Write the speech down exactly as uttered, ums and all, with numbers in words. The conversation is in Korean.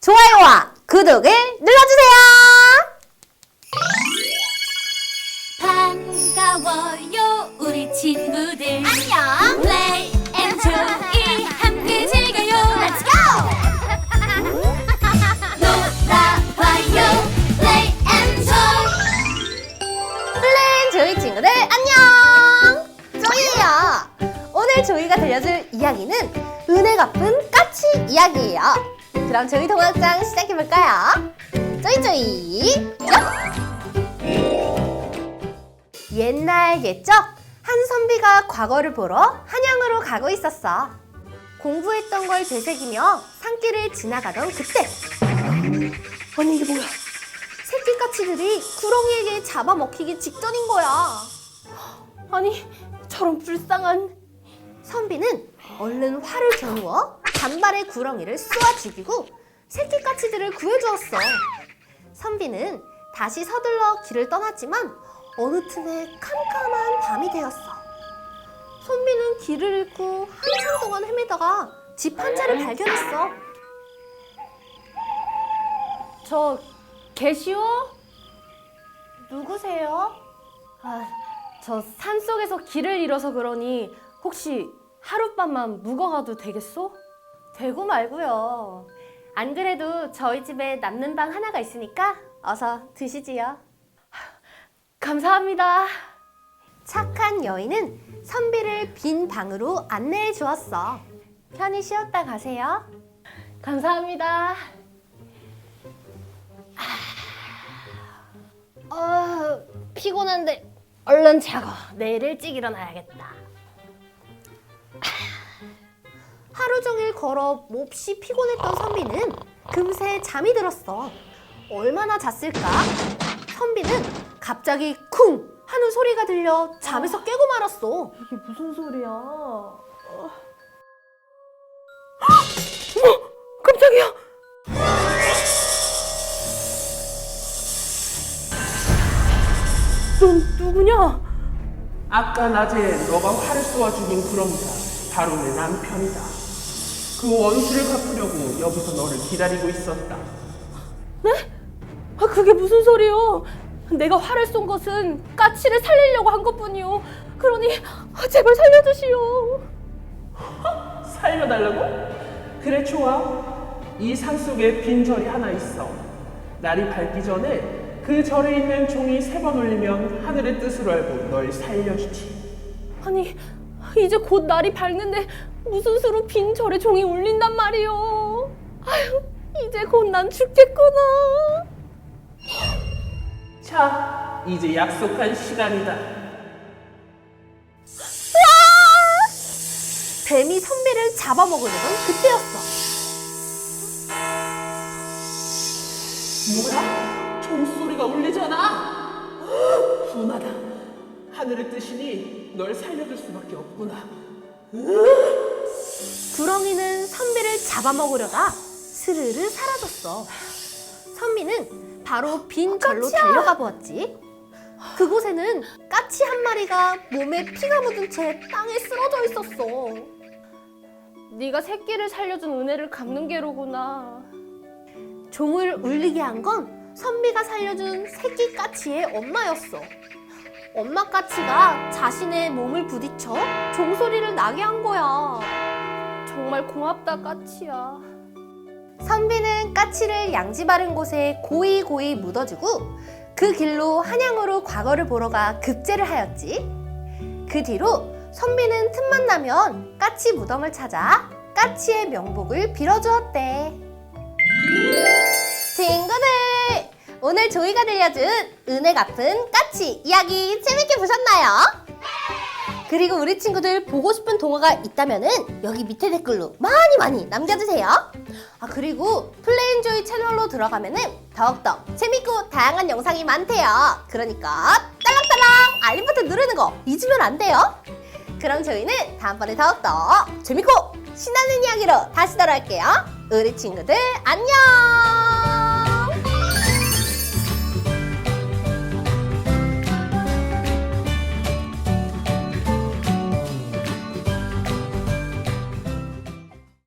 좋아요와 구독을 눌러주세요. 반가워요 우리 친구들. 안녕. 플레이 앤 조이 함께 즐겨요. Let's go. 놀아봐요 플레이 앤 조이. 플랜 조이 친구들 안녕. 조이예요. 오늘 조이가 들려줄 이야기는 은혜 갚은 까치 이야기예요. 그럼 조이 동화장 시작해볼까요? 조이 조이. 옛날 옛적 한 선비가 과거를 보러 한양으로 가고 있었어. 공부했던 걸 되새기며 산길을 지나가던 그때, 아니 이게 뭐야? 새끼까치들이 구렁이에게 잡아먹히기 직전인 거야. 아니 저런 불쌍한. 선비는 얼른 활을 겨누어 단발의 구렁이를 쏘아 죽이고 새끼까치들을 구해주었어. 선비는 다시 서둘러 길을 떠났지만 어느 틈에 캄캄한 밤이 되었어. 선비는 길을 잃고 한참 동안 헤매다가 집 한 채를 발견했어. 저 계시오? 누구세요? 아, 저 산속에서 길을 잃어서 그러니 혹시 하룻밤만 묵어가도 되겠소? 되고 말고요. 안 그래도 저희 집에 남는 방 하나가 있으니까 어서 드시지요. 감사합니다. 착한 여인은 선비를 빈 방으로 안내해 주었어. 편히 쉬었다 가세요. 감사합니다. 아, 피곤한데 얼른 자고 내일 일찍 일어나야겠다. 하루 종일 걸어 몹시 피곤했던 선비는 금세 잠이 들었어. 얼마나 잤을까? 선비는 갑자기 쿵 하는 소리가 들려 잠에서 깨고 말았어. 이게 무슨 소리야? 어머, 깜짝이야. 넌 누구냐? 아까 낮에 너가 활을 쏘아 죽인 구렁이가 바로 내 남편이다. 그 원수를 갚으려고 여기서 너를 기다리고 있었다. 네? 아, 그게 무슨 소리요? 내가 활을 쏜 것은 까치를 살리려고 한 것뿐이요. 그러니 아, 제발 살려주시오. 살려달라고? 그래 좋아. 이 산속에 빈 절이 하나 있어. 날이 밝기 전에 그 절에 있는 종이 세 번 울리면 하늘의 뜻으로 알고 널 살려주지. 아니 이제 곧 날이 밝는데 무슨 수로 빈 절에 종이 울린단 말이오. 아휴 이제 곧 난 죽겠구나. 자, 이제 약속한 시간이다. 뱀이 선비를 잡아먹으려던 그때였어. 뭐야? 종소리가 울리잖아. 분하다. 하늘의 뜻이니 널 살려줄 수밖에 없구나. 구렁이는 선비를 잡아먹으려다 스르르 사라졌어. 선비는 바로 빈 절로 달려가 보았지. 그곳에는 까치 한 마리가 몸에 피가 묻은 채 땅에 쓰러져 있었어. 네가 새끼를 살려준 은혜를 갚는 게로구나. 종을 울리게 한 건 선비가 살려준 새끼 까치의 엄마였어. 엄마 까치가 자신의 몸을 부딪혀 종소리를 나게 한 거야. 정말 고맙다 까치야. 선비는 까치를 양지 바른 곳에 고이 고이 묻어주고 그 길로 한양으로 과거를 보러 가 급제를 하였지. 그 뒤로 선비는 틈만 나면 까치 무덤을 찾아 까치의 명복을 빌어주었대. 친구들! 오늘 조이가 들려준 은혜 갚은 까치 이야기 재밌게 보셨나요? 그리고 우리 친구들 보고 싶은 동화가 있다면은 여기 밑에 댓글로 많이 많이 남겨주세요. 아 그리고 플레인조이 채널로 들어가면은 더욱더 재밌고 다양한 영상이 많대요. 그러니까 딸랑딸랑 알림 버튼 누르는 거 잊으면 안 돼요. 그럼 저희는 다음번에 더욱더 재밌고 신나는 이야기로 다시 돌아올게요. 우리 친구들 안녕.